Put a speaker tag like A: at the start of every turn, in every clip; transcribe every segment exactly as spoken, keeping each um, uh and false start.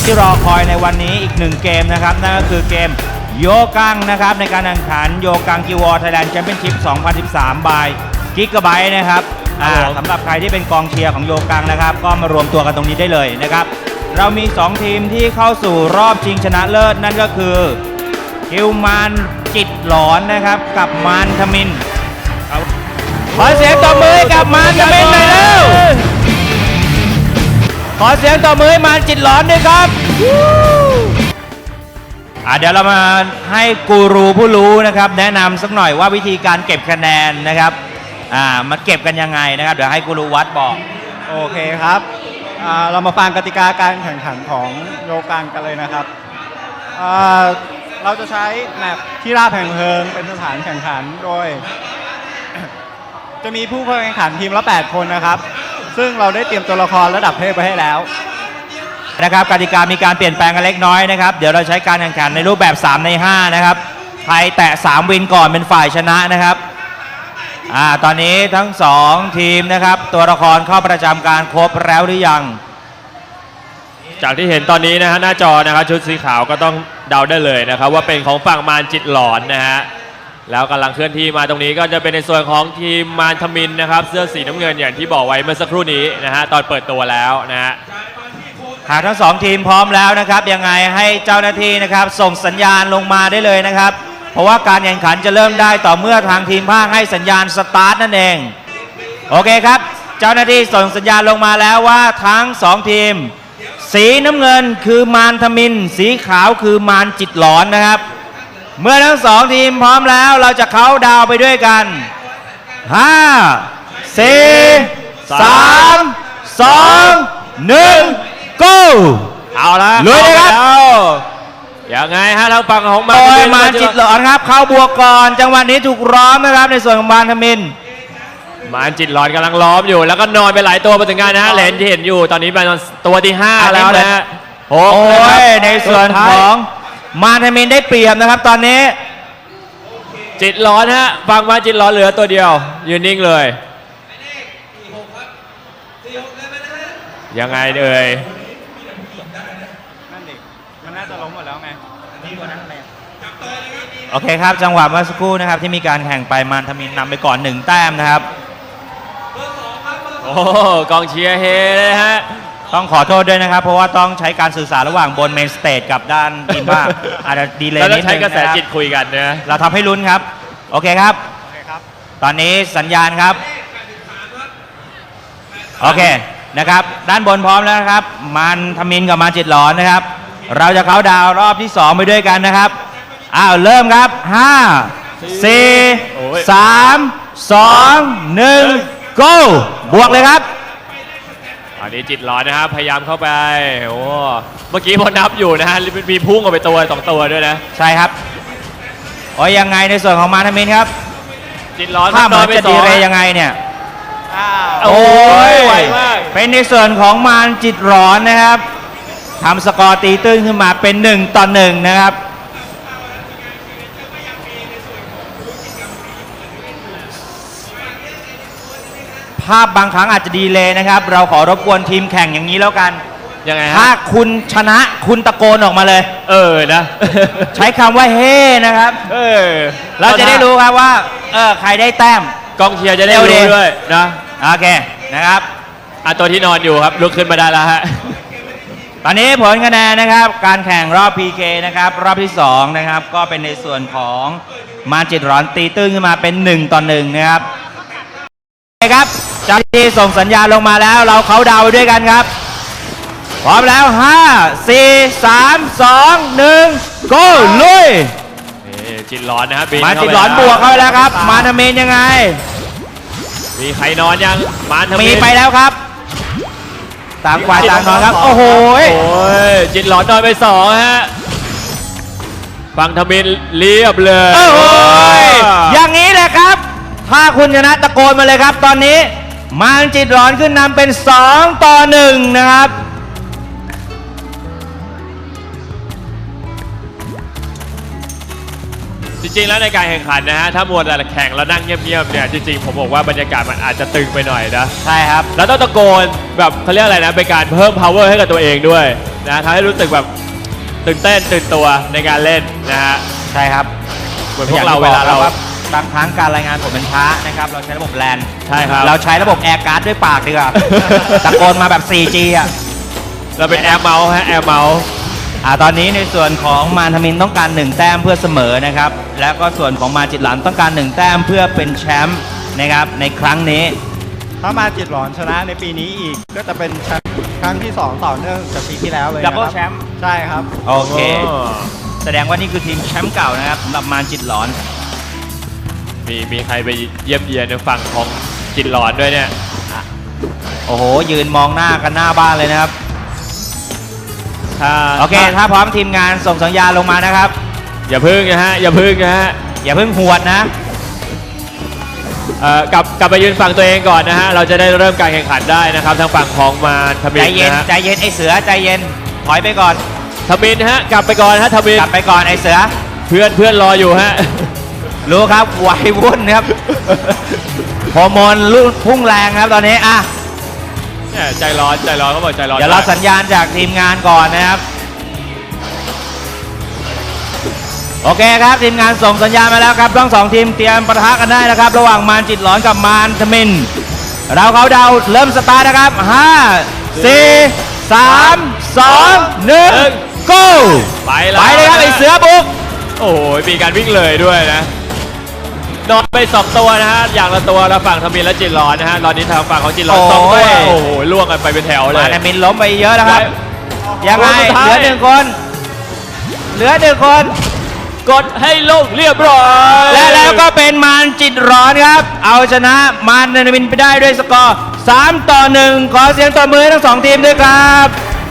A: ที่รอคอยในวันนี้อีกหนึ่งเกมนะครับนั่นก็คือเกมโยกังนะครับในการแข่งขันโยกังกิวอร์ไทยแลนด์แชมเปี้ยนชิพสองพันสิบสาม บายกิกะไบต์นะครับสำหรับใครที่เป็นกองเชียร์ของโยกังนะครับก็มารวมตัวกันตรงนี้ได้เลยนะครับเรามีสองทีมที่เข้าสู่รอบชิงชนะเลิศนั่นก็คือกิวมานจิตหลอนนะครับกับมานทมินขอเสียงตบมือกับมานทมินหน่อยเร็วขอเสียงตบมือให้มานจิตหลอนด้วยครับอ่ะเดี๋ยวเรามาให้กูรูผู้รู้นะครับแนะนำสักหน่อยว่าวิธีการเก็บคะแนนนะครับอ่ามาเก็บกันยังไงนะครับเดี๋ยวให้กูรูวัดบอก
B: โอเคครับเรามาฟังกติกาการแข่งขันของโยกังกันเลยนะครับเราจะใช้แมปที่ราบแห่งเพลิงเป็นสถานแข่งขันโดย จะมีผู้เข้าแข่งขันทีมละแปดคนนะครับซึ่งเราได้เตรียมตัวละครระดับเทพไปให้แล้ว
A: นะครับกติกามีการเปลี่ยนแปลงกันเล็กน้อยนะครับเดี๋ยวเราใช้การแข่งขันในรูปแบบสามในห้านะครับใครแตะสามวินก่อนเป็นฝ่ายชนะนะครับอ่าตอนนี้ทั้งสองทีมนะครับตัวละครเข้าประจำการครบแล้วหรือยัง
C: จากที่เห็นตอนนี้นะฮะหน้าจอนะครับชุดสีขาวก็ต้องเดาได้เลยนะครับว่าเป็นของฝั่งมารจิตหลอนนะฮะแล้วกำลังเคลื่อนที่มาตรงนี้ก็จะเป็นในส่วนของทีมมารทมินนะครับเสื้อสีน้ำเงินอย่างที่บอกไว้เมื่อสักครู่นี้นะฮะตอนเปิดตัวแล้วนะฮะ
A: หากทั้งสองทีมพร้อมแล้วนะครับยังไงให้เจ้าหน้าที่นะครับส่งสัญญาณลงมาได้เลยนะครับเพราะว่าการแข่งขันจะเริ่มได้ต่อเมื่อทางทีมภาคให้สัญญาณสตาร์ทนั่นเองโอเคครับเจ้าหน้าที่ส่งสัญญาณลงมาแล้วว่าทั้งสองทีมสีน้ำเงินคือมารทมินสีขาวคือมารจิตหลอนนะครับเมื่อทั้งสองทีมพร้อมแล้วเราจะเข้าดาวไปด้วยกันห้า สี่ สาม สอง หนึ่ง go
C: เอาละ
A: ลุยเลยครับ
C: ยังไงฮะเราฝั่งของมาร
A: ทมินมารจิตหลอนครับเข้าบวกก่อนจังหวะนี้ถูกล้อมนะครับในส่วนของมารทมิน
C: มารจิตหลอนกำลังล้อมอยู่แล้วก็นอนไปหลายตัวมาถึงงานนะฮะเลนที่เห็นอยู่ตอนนี้เป็นตัวที่ห้าแล้วนะฮะ
A: โอ้ยในส่วนของมารทมินได้เปรียบนะครับตอนนี้
C: จิตหลอนฮะฝั่งมารจิตหลอนเหลือตัวเดียวยืนนิ่งเลยยังไงเอ่ย
B: นั่นดิมันน่าจะล้มหมดแล้วไง
A: โอเคครับจังหวะเมื่อสักครู่นะครับที่มีการแข่งไปมารทมินนำไปก่อนหนึ่งแต้มนะครับ
C: โอ้กองเชียร์เฮเลยฮะ
A: ต้องขอโทษด้วยนะครับเพราะว่าต้องใช้การสื่อสารระหว่างบนเมนสเตจกับด้านทีมบ้างอาจจะดีเลยนิดนึงนะครับ
C: ใช้กระแสจิตคุยกันนะ
A: เราทำให้ลุ้นครับโอเคครับตอนนี้สัญญาณครับโอเคนะครับด้านบนพร้อมแล้วนะครับมารทมินกับมารจิตหลอนนะครับเราจะเข้าดาวรอบที่สองไปด้วยกันนะครับอ้าวเริ่มครับห้า สี่ สาม สอง หนึ่ง go บวกเลยครับ
C: อันนี้จิตหลอนนะครับพยายามเข้าไปโอ้เมื่อกี้พอนับอยู่นะฮะมีพุ่งออกไปตัวสองตัวด้วยนะ
A: ใช่ครับโอ้ยยังไงในส่วนของมารทมินครับ
C: จิตหลอน
A: ภาพเหมือนจะดีเลยยังไงเนี่ย
C: โอ้ยไวมาก
A: เป็นในส่วนของมารจิตหลอนนะครับทำสกอร์ตีตื้นขึ้นมาเป็นหนึ่งต่อหนึ่งนะครับภาพบางครั้งอาจจะดีเลยนะครับเราขอรบกวนทีมแข่งอย่างนี้แล้วกัน
C: ยังไงฮะ
A: ถ้าคุณชนะคุณตะโกนออกมาเลย
C: เออนะ
A: ใช้คำว่าเฮ้นะครับ
C: เออ
A: เราจะได้รู้ครับว่าเออใครได้แต้ม
C: กองเชียร์จะได้รู้ด้วยนะ
A: โอเคนะครับ
C: อ่ะตัวที่นอนอยู่ครับลุกขึ้นมาได้แล้วฮะ
A: ตอนนี้ผลคะแนนนะครับการแข่งรอบ พี เค นะครับรอบที่สองนะครับก็เป็นในส่วนของมารจิตหลอนตีตื้นขึ้นมาเป็นหนึ่งต่อหนึ่งนะครับโอเคครับเจ้าหน้าที่ส่งสัญญาณลงมาแล้วเราเขาดาวไปด้วยกันครับพร้อมแล้วห้า สี่ สาม สอง หนึ่ง go ลุย
C: จิตหลอนนะครับ
A: มารจิตหลอนบวกเข้าไปแล้วครับมารทมินยังไง
C: มีใครนอนยังมารทมิน
A: มีไปแล้วครับต่างฝ่ายต่างนอนครับโอ้โห
C: จิตหลอนนอนไปสองฮะฝั่งทมินเรียบเลย
A: โอ้โหอย่างนี้แหละครับถ้าคุณชนะตะโกนมาเลยครับตอนนี้มารจิตหลอนขึ้นนำเป็นสองต่อหนึ่งนะครับ
C: จริงๆแล้วในการแข่งขันนะฮะถ้ามัวแต่แข่งแล้วนั่งเงียบๆเนี่ยจริงๆผมบอกว่าบรรยากาศมันอาจจะตึงไปหน่อยนะ
A: ใช่ครับ
C: แล้วต้องตะโกนแบบเขาเรียกอะไรนะเป็นการเพิ่ม power ให้กับตัวเองด้วยนะทำให้รู้สึกแบบตื่นเต้นตื่นตัวในการเล่นนะฮะ
A: ใช่ครับ
C: เหมือนพวกเราเวลาเรา
A: อย่งที่บอกครับบางครั้งการรายงานผลเป็นช้านะครับเราใช้ระบบแลน
C: ใช่ครับ
A: เราใช้ระบบแอร์การ์ดด้วยปากดีกว่า ตะโกนมาแบบ โฟร์จี อ่ะ
C: เราเป็นแอร์เมาส์ฮะแอร์เมาส์
A: อ่าตอนนี้ในส่วนของมารทมินต้องการหนึ่งแต้มเพื่อเสมอนะครับแล้วก็ส่วนของมาจิตหลันต้องการหนึ่งแต้มเพื่อเป็นแชมป์นะครับในครั้งนี้
B: ถ้ามาจิตหลอนชนะในปีนี้อีกก็จะเป็นแชมป์ครั้งที่สองต่อเนื่องจากปีที่แล้วเลยนะครับ
A: Double Champ
B: ใช่ครับ
A: โอเค แสดงว่านี่คือทีมแชมป์เก่านะครับสำหรับมารจิตหลอน
C: มีมีใครไปเยี่ยมเยียนในฝั่งของจิตหลอนด้วยเนี่ย
A: โอ้โหยืนมองหน้ากันหน้าบ้านเลยนะครับ
C: ถ้า
A: โอเค ถ้าพร้อมทีมงานส่งสัญญาณลงมานะครับ
C: อย่าพึ่งนะฮะอย่าพึ่งนะฮะ
A: อย่าเพิ่งหวดนะ
C: เอ่อกลับกลับไปยืนฝั่งตัวเองก่อนนะฮะเราจะได้เริ่มการแข่งขันได้นะครับทางฝั่งของมารทมิ
A: ใจ
C: น
A: เย็น
C: นะฮะ
A: ใจเย็นไอเสือใจเย็นถอยไปก่อน
C: ทมินฮะกลับไปก่อนฮะทมิน
A: กลับไปก่อนไอเสือ
C: เพื่อนเพื่อนรออยู่ฮะ
A: รู้ครับวัยวุ่นครับฮอร์โมนรุ่นพุ่งแรงครับตอนนี้อ่ะ
C: เนี่ยใจร้อนใจร้อนเขาบอกใจร้อน
A: เดี๋ยวเราสัญญาณจากทีมงานก่อนนะครับ โอเคครับทีมงานส่งสัญญาณมาแล้วครับทั้งสองทีมเตรียมปะทะกันได้นะครับ ระหว่างมารจิตหลอนกับมารทมินเราเขาเดาเริ่มสตาร์ทนะครับห้า สี่ สาม สอง หนึ่ง go
C: ไปแล้ว
A: ไปเลยครับไอเสือบุก
C: โอ้โหมีการวิ่งเลยด้วยนะนอนไปสองตัวนะฮะอย่างละตัวแล้วฝั่งทมินและจิตร้อนนะฮะตอนนี้ทางฝั่งของจิตร้อนสองตัวโอ้โหล่วงกันไปเป็นแถวเล
A: มาย รทมินล้มไปเยอะแล้วครับ ยังไง
C: คนสุดท้าย
A: เหลือหนึ่งคน เหลือหนึ่งคน
C: กดให้ลงเรียบร้อย
A: และแล้วก็เป็นมารจิตร้อนครับ เอาชนะมารทมินไปได้ด้วยสกอร์สามต่อหนึ่งขอเสียงตบมือให้ทั้งสองทีมด้วยครับ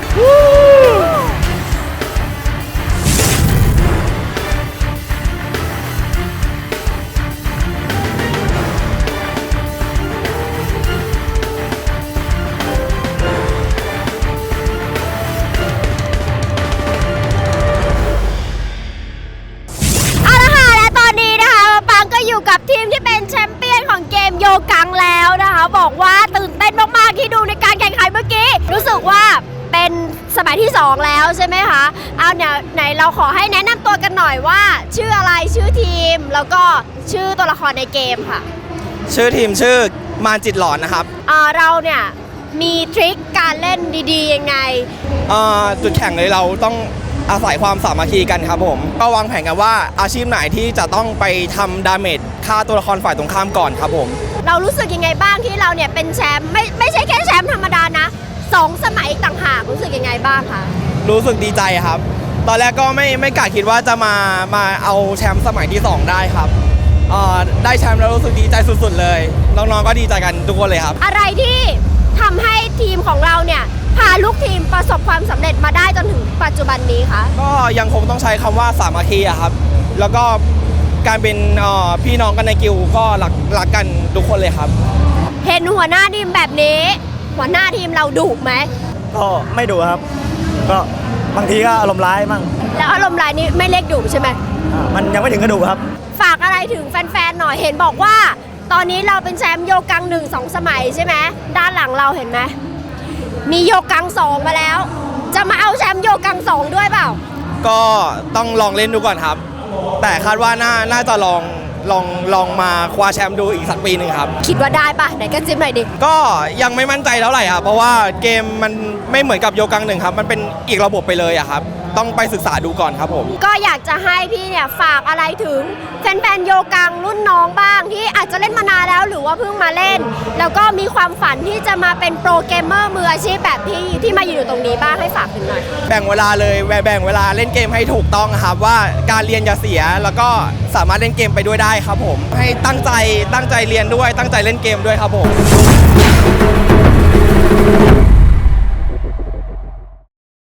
D: เอาละค่ะและตอนนี้นะคะมะปางก็อยู่กับทีมที่เป็นแชมเปี้ยนของเกมโยกังแล้วนะคะ บอกว่าตื่นเต้นมากๆที่ดูในการแข่งขันเมื่อกี้ รู้สึกว่าเป็นสมัยที่สองแล้วใช่ไหมคะเอาเนี่ยไหนเราขอให้แนะนำตัวกันหน่อยว่า ชื่ออะไรชื่อทีม แล้วก็ชื่อตัวละครในเกมค่ะ
E: ชื่อทีมชื่อมารจิตหลอนนะครับ
D: อ่าเราเนี่ยมีทริคการเล่นดีๆยังไง
E: เอ่อจุดแข่งเลยเราต้องอาศัยความสามัคคีกันครับผมก็วางแผนกันว่าอาชีพไหนที่จะต้องไปทำดาเมจฆ่าตัวละครฝ่ายตรงข้ามก่อนครับผม
D: เรารู้สึกยังไงบ้างที่เราเนี่ยเป็นแชมป์ไม่ไม่ใช่แค่แชมป์ธรรมดานะสองสมัยต่างหากรู้สึกยังไงบ้างคะ
E: รู้สึกดีใจครับ ตอนแรกก็ไม่ไม่กะคิดว่าจะมามาเอาแชมป์สมัยที่สองได้ครับเอ่อได้แชมป์แล้วรู้สึกดีใจสุดๆเลยน้องๆก็ดีใจกันทุกคนเลยครับ
D: อะไรที่ทำให้ทีมของเราเนี่ยพาลูกทีมประสบความสำเร็จมาได้จนถึงปัจจุบันนี้คะ
E: ก็ยังคงต้องใช้คำว่าสามัคคีอะครับ แล้วก็การเป็นเอ่อพี่น้องกันในกิลด์ก็รักรักกันทุกคนเลยครับ
D: เห็นหัวหน้าทีมแบบนี้ หัวหน้าทีมเราดุไหม
F: ก็ไม่ดุครับ ก็บางทีก็อารมณ์ร้ายมั่ง
D: แล้วอารมณ์ร้ายนี้ไม่เรียกดุใช่ไหม
F: อ่ามันยังไม่ถึงกระดูกครับ
D: ฝากอะไรถึงแฟนๆหน่อยเห็นบอกว่า ตอนนี้เราเป็นแชมป์โยกังหนึ่งสองสมัยใช่ไหมด้านหลังเราเห็นไหมมีโยกังสองมาแล้ว จะมาเอาแชมป์โยกังสองด้วยเปล่า
E: ก็ต้องลองเล่นดูก่อนครับ แต่คาดว่าน่าน่าจะลองลองลองมาคว้าแชมป์ดูอีกสักปีหนึ่งครับ
D: คิดว่าได้ปะไหนก็จิ้มหน่อยดิ
E: ก็ยังไม่มั่นใจเท่าไหร่ครับเพราะว่าเกมมันไม่เหมือนกับโยกังหนึ่งครับ มันเป็นอีกระบบไปเลยอะครับ ต้องไปศึกษาดูก่อนครับผม
D: ก็อยากจะให้พี่เนี่ยฝากอะไรถึงแฟนๆโยกังรุ่นน้องบ้างที่อาจจะเล่นมานานแล้วหรือว่าเพิ่งมาเล่น แล้วก็มีความฝันที่จะมาเป็นโปรเกมเมอร์มืออาชีพแบบพี่ที่มาอยู่ตรงนี้บ้างให้ฝากถึงหน่อย
E: แบ่งเวลาเลยแบ่งเวลาเล่นเกมให้ถูกต้องครับว่าการเรียนอย่าเสียแล้วก็สามารถเล่นเกมไปด้วยได้ครับผม ให้ตั้งใจตั้งใจเรียนด้วยตั้งใจเล่นเกมด้วยครับผม